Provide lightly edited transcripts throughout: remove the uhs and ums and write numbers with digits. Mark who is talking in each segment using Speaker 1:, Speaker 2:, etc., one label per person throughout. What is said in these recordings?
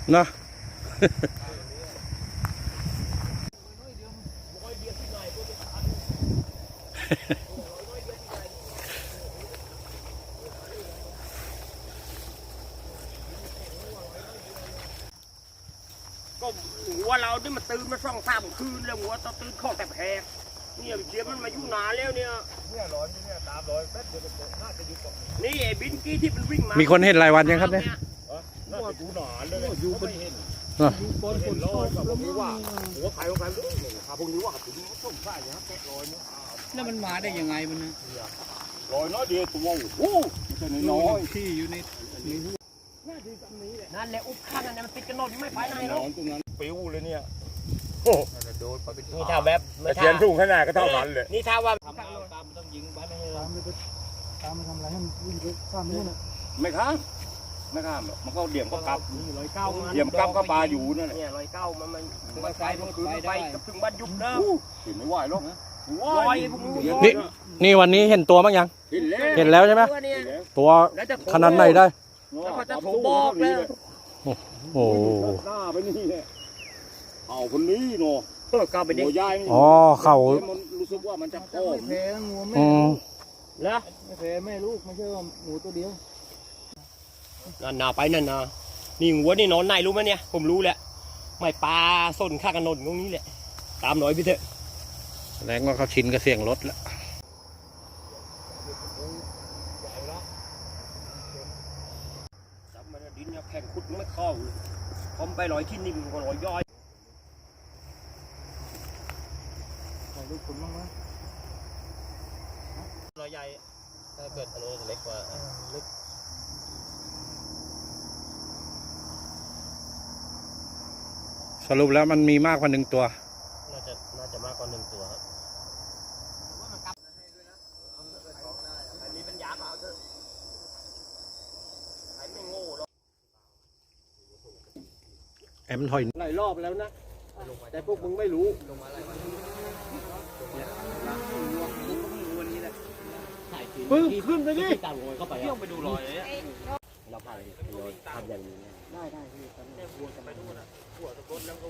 Speaker 1: เนาะ
Speaker 2: ก็หัวเรานี่มันตื่นมา2-3 คืนแล้วหัวตอนตื่นข้อแต่แพกเนี่ยเดี๋ยวมันมาอยู่นานแล้วเนี่ยร้อนเนี่ยตามร้อยแป๊บเดียวน่าจะอยู่ก่อนนี่ไอ้บินกี้ที่มันวิ่งมี
Speaker 1: คนเห็นรายวันยังครับเนี่ย
Speaker 2: น่าจะอยู่นานเลยอยู่ไม่เห็น
Speaker 1: อยู่
Speaker 2: ก้นฝนร้อนกับพวกนี้ว่าหัวใครของใครขาพวกนี้ว่าถึงต้มใส่เนี่ยแกะลอยเนี่ย
Speaker 3: แล้วมันมาได้ยังไงมันนะ
Speaker 2: ลอยน้อยเดียวตัวโอ้จะน้อย
Speaker 3: ที่อยู่ใน
Speaker 2: นั่นแหละอุบข้างนั่นมันติดกันนอนไม่ไปไหนหรอกตรงนั้นปิ้วเลยเนี่ยโอ้โดนไปเป็นนี่ถ้าแบบเทียนทุ่งขนาดก็เท่านั้นเลยนี่ถ้าว่า
Speaker 3: ตามต้องยิงไปไม่ให้ตามทำอะไรให้มันวิ่งไปข้ามนู่นน่ะ
Speaker 2: ไม่ข้ามหรอกมันก็เดี่ยมก็กลับเดี่ยมกลับก็ปลาอยู่นั่นแหละเนี่ย109มันไปเมื่อคืนไปกับถึงบ้านยุบนะเห็นไม่ไหวหรอกนะ
Speaker 1: นี่วันนี้เห็นตัวมั้งยังเห็นแล้วใช่ไหมตัวขนาดไหนได้
Speaker 2: แล้วก็จะโทรบอกแล้ว
Speaker 1: โอ้
Speaker 2: หน้าไปนี่แหละเอาคนนี้เนาะกลับไปดิ
Speaker 1: อ๋อเขา
Speaker 2: รู้สึกว่ามันจะโค้ง
Speaker 3: แพ้งูแม่
Speaker 2: แล้ว
Speaker 3: ไม่แพ้แม่ลูกไม่ใช่ว่าหมูตัวเดียว
Speaker 2: นั่นนาไปนั่นนานี่หัวนี่นอนไหนรู้ไหมเนี่ยผมรู้แหละไม่ปลาส้นข้างกันนนตรงนี้แหละตามหน่อยพี่เถอะ
Speaker 1: แสดงว่าเขาชินกับเสียงรถแล้ว
Speaker 2: จับมันดินเนี่ยแข่งขุดไม่เข้าเลยผมไปลอยที่นิ่มก็ลอยย่อย
Speaker 3: ลูกคุณบ้างไหม
Speaker 2: ลอยใหญ่ถ้าเกิดอันนี้เล็กกว่าเล็ก
Speaker 1: สรุปแล้วมันมีมากกว่า1 ตัว
Speaker 2: น่าจะมากกว่า1 ตัวอันนี้เป็นยาเปล่าเถอะใครไม่โง่หรอก
Speaker 1: แอมถอย
Speaker 2: หลายรอบแล้วนะแต่พวกมึงไม่รู้ลงมาอะไรปึ๊บขึ้นไปดิตามรอยเข้าไปเที่ยวไปดูรอยเลยเราพาไปรอยทำอย่างนี้ได้พี่ตอนนี้วัวจะไปดูนะวัวตะกดแล้วก็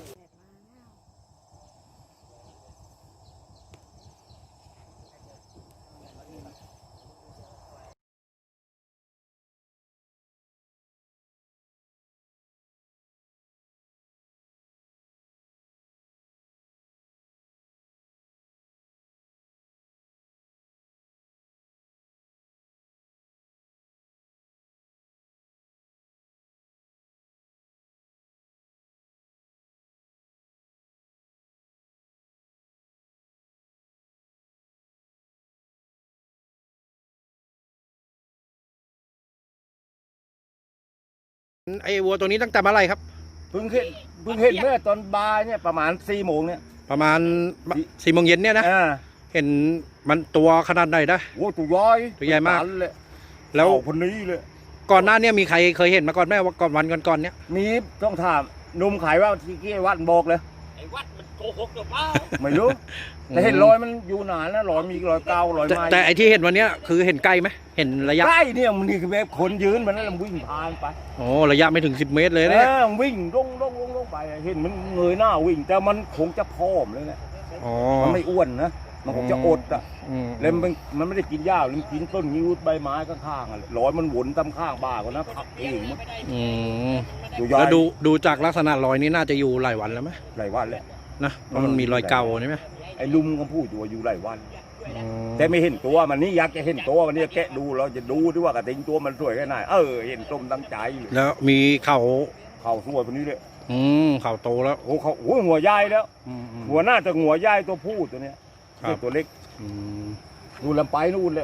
Speaker 1: ไอ้วัวตัวนี้ตั้งแต่เมื่อไรครับ
Speaker 2: เพิ่งเห็นเมื่อตอนบ่ายเนี่ยประมาณ4 โมงเนี่ย
Speaker 1: ประมาณ4 โมงเย็นเนี่ยนะเห็นมันตัวขนาดไหนนะ
Speaker 2: โอ้ตัวใหญ่
Speaker 1: มาก
Speaker 2: เลยแล้วคนนี้เลย
Speaker 1: ก่อนหน้านี้มีใครเคยเห็นมาก่อนไหมว่าก่อนวันก่อนเนี้ย
Speaker 2: มีต้องถามนุ่มขายว่าที่กี้วัดบอกเลยไอ้วัดมันโกหกหรือเปล่าไม่รู้แต่เห็นรอยมันอยู่นานนะรอยมีรอยเการอยไม้
Speaker 1: แต่ไอ้ที่เห็นวันนี้คือเห็นใกล้ไหมเห็นระยะ
Speaker 2: ใกล้เนี่ยมันนี่คือแบบคนยืนมันนั่นมันวิ่งผ่านไป
Speaker 1: โอ้ระยะไม่ถึง10 เมตรเลยเนี่ย
Speaker 2: วิ่งลงไปเห็นมันเงยหน้าวิ่งแต่มันคงจะพร้อมเลยแหละมันไม่อ้วนนะมันคงจะอดอ่ะแล้วมันไม่ได้กินหญ้ามันกินต้นงิ้วใบไม้ข้างๆรอยมันวนตามข้างบ้ากันนะพักเอง
Speaker 1: แล้วดูจากลักษณะรอยนี้น่าจะอยู่หลายวันแล้วไหม
Speaker 2: หลายวันแล้ว
Speaker 1: นะเพราะมันมีรอยเก่าใช่ไหม
Speaker 2: ไอ้ลุงก็พูดอยู่หลายวันแต่ไม่เห็นตัวมันนี่อยากจะเห็นตัวมันนี่แกะดูเราจะดูด้วยว่ากระติงตัวมันสวยแค่ไหนเห็นต้มตั้งใจ
Speaker 1: แล้วมีเข่า
Speaker 2: สวยคนนี้เลย
Speaker 1: เข่าโตแล้ว
Speaker 2: โอ้เขาหัวใหญ่แล้วหัวหน้าจะหัวใหญ่ตัวผู้ตัวเนี้ยตัวเล็กดูลำไปนู่นเลย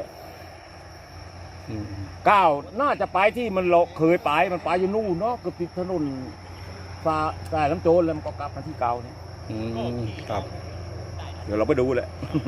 Speaker 2: ก้าวน่าจะไปที่มันเคยไปมันไปอยู่นู่นเนาะก็ติดถนนสายน้ำโจรแล้วมันก็กลับมาที่เก่าเนี่ย
Speaker 1: ครับ
Speaker 2: เดี๋ยวเราไปดูแหละ